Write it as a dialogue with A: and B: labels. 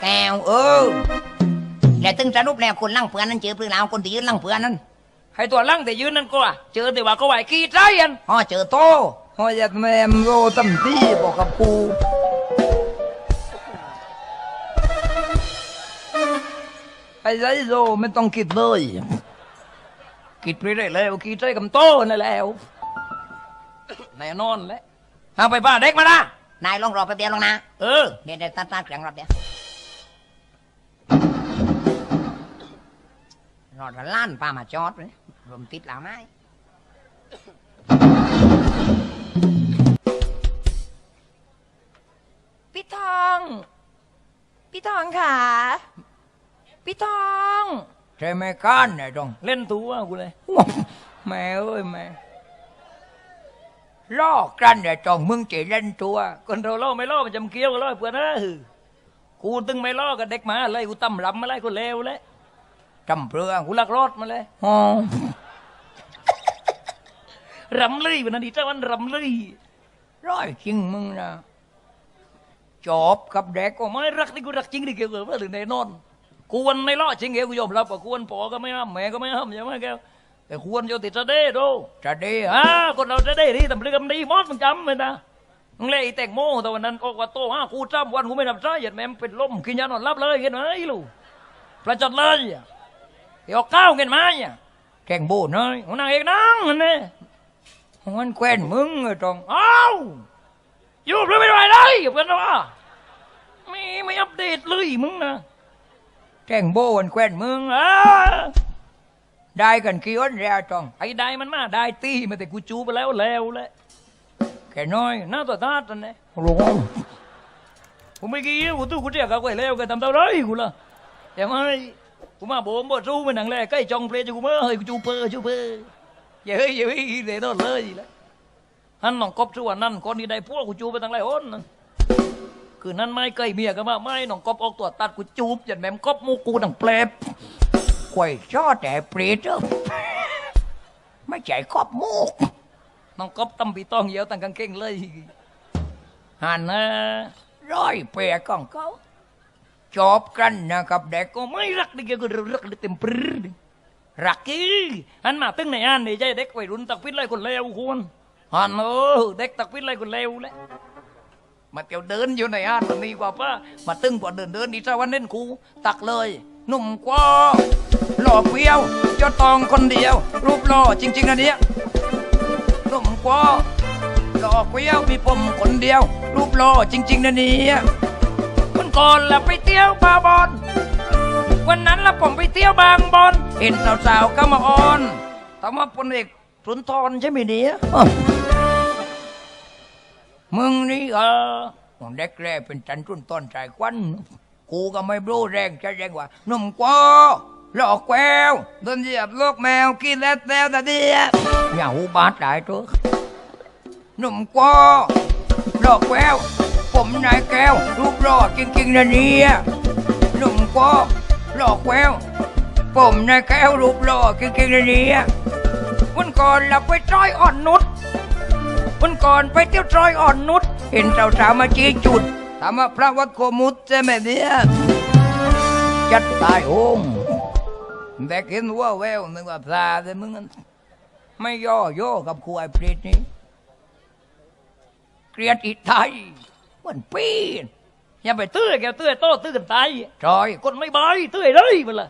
A: แก้วแล้วตึงสรุปแล้วคนลั่งเพื่อนนั้นเจอเพื่อนเราคนที่ยืนลั่งเพื่อนนั้น
B: ให้ตัวลั่งแต่ยืนนั่นก็อะเจอแต่ว่าก็ไหวขี้ใจอัน
A: เจอโตยัดแมมโรตั้มที่บอกกับปูไอ้ไรโรไม่ต้องคิดเลยคิดไปได้แล้วคิดใจกับโตนั่นแล้ว
B: แน่นอนแหละ
A: เอาไปบ้านเด็กมาละนายลองรอแป๊บเดียวลองนะเดี๋ยวตัดเครื่องรอบเดียวรอดล้านป้ามาจอดเลยรวมติดหลังไม้
B: พี่ทองค่ะพี่ทอง
A: ใช่ไหมก้านเนี่ยจง
B: เล่นตัวกูเลย
A: แม่เอ้ยแม่ล่อกันเนี่ยจงมึงจะเล่นตัว
B: คนเราล่อไม่ล่อมันจำเกี้ยวกันล่อเพื่อนนะกูตึงไม่ล่อกับเด็กมาอะไรกูตั้มรำอะไรกูเลวเลย
A: จำเปลือง
B: กูลักรอดมาเลยรำเลยวันนั้นดีเจ้าวันรำเลย
A: ร้อยจริงมึงนะจบกับเด็ก
B: ก็ไม่รักนี่กูรักจริงดิเกี่ยวกับเรื่องในนอนกวนในล่อจริงเกี่ยวกูยอมรับว่ากวนปอก็ไม่ห้ามแม่ก็ไม่ห้ามใช่ไหมแกแต่ควรจะติดจะได้ดู
A: จะได้
B: คนเราจะได้ดีแต่เรื่องดีมอดมึงจำเลยนะมึงเล่แตงโมแต่วันนั้นก็โตกูจำวันกูไม่ทำใจเหยียดแม่เป็นลมกินยานอนรับเลยเห็นไหมลูกประจัดเลยเดี๋ยวก้าวเห็นไหม
A: แข่งโบน้อย
B: นางเอกนั่งนี่
A: มันแควนมึงไอ้ตรง
B: อยู่เพื่อไม่ได้เลยเพื่อนว่าไม่อัปเดตเลยมึงนะ
A: แข่งโบมันแควนมึงได้กันกี่วันแล้วจอง
B: ไอ้ได้มันมาได้ตีมาแต่กูจูไปแล้วเลย
A: แค่น้อย
B: หน้าตัวตาตันเนี่ย
A: รู้
B: ผมไม่กี่กูตู้กูเรียกเขาไปแล้วกันทำเท่าไรกูล่ะแต่ไม่กูมาบ่มบ่สู้มันหนังแรกใกล้จองเพลย์กูเมื่อเฮ้ยกูจูเปอร์อย่าเฮ้ยเดี๋ยวโดนเลยละฮันน้องกบส่วนนั่นคนนี้ได้พวกกูจูไปตั้งหลายคนคือนั่นไม่ใกล้เมียกันมาไม่น้องกบออกตัวตัดกูจูบจัดแม่มกบมูกูดังเปลบ
A: ควยชอแต่เปรตไม่ใจกอบมูก
B: น้องกบตำปีตองเหี่ยวตั้งกางเกงเลย
A: หันนะร้อยเปียของเขาจบกันนะครับเด็ก
B: ก็ไม่รักดิแกก็รักเต็มปรื้ดรักกี้อันมาตึ้งในอันนี่ใจเด็กวัยรุ่นตักพิษไรคนเลวคุณอันเด็กตักพิษไรคนเลวแล้ว
A: มาเที่ยวเดินอยู่ในอันมันมีกว่าป้ามาตึ้งกว่าเดินดีจ้าวันเล่นกูตักเลยหนุ่มกว่าหล่อเปรี้ยวเจ้าตองคนเดียวรูปหล่อจริงๆนะเนี่ยหนุ่มกว่าหล่อเปรี้ยวมีผมคนเดียวรูปหล่อจริงๆนะเนี่ย
B: วันก่อนละไปเที่ยวบาบอนวันนั้นละผมไปเที่ยวบางบอน
A: เห็นสาวๆก็มาอ้อนถามว่าพลเอกสุนทรใช่ไหมเนี่ยมึงนี่เด็กแรกเป็นจันทุนต้นใจควันกูก็ไม่รู้แรงจะแรงกว่าหนุ่มกว่าหลอกแววโดนเหยียบลูกแมวกินแล้วแต่เดียอย่าหูบาดได้ตัวหนุ่มกว่าหลอกแววผมนายแก้วรูปหล่อจริงๆนะเนี่ยหนุ่มกว่าหลอกแววผมนายแก้วรูปหล่อจริงๆนะเนี่ยวันก่อนเราไปจอยอ่อนนุชวันก่อนไปเที่ยวจอยอ่อนนุชเห็นสาวๆมาชี้จุดถามว่าพระวัดโคมุตใช่ไหมเนี่ยจัดตายโองแต่เห็นว่าแววนึกว่าพระแต่มึงไม่ย่อกับครูไอ้ปริตนี่เกลียดอีไทยมันปีน
B: อย่าไปตื้อแกตื้อโต้ตื้อกันตาย
A: จอย
B: คนไม่บายตื้อเลยมันละ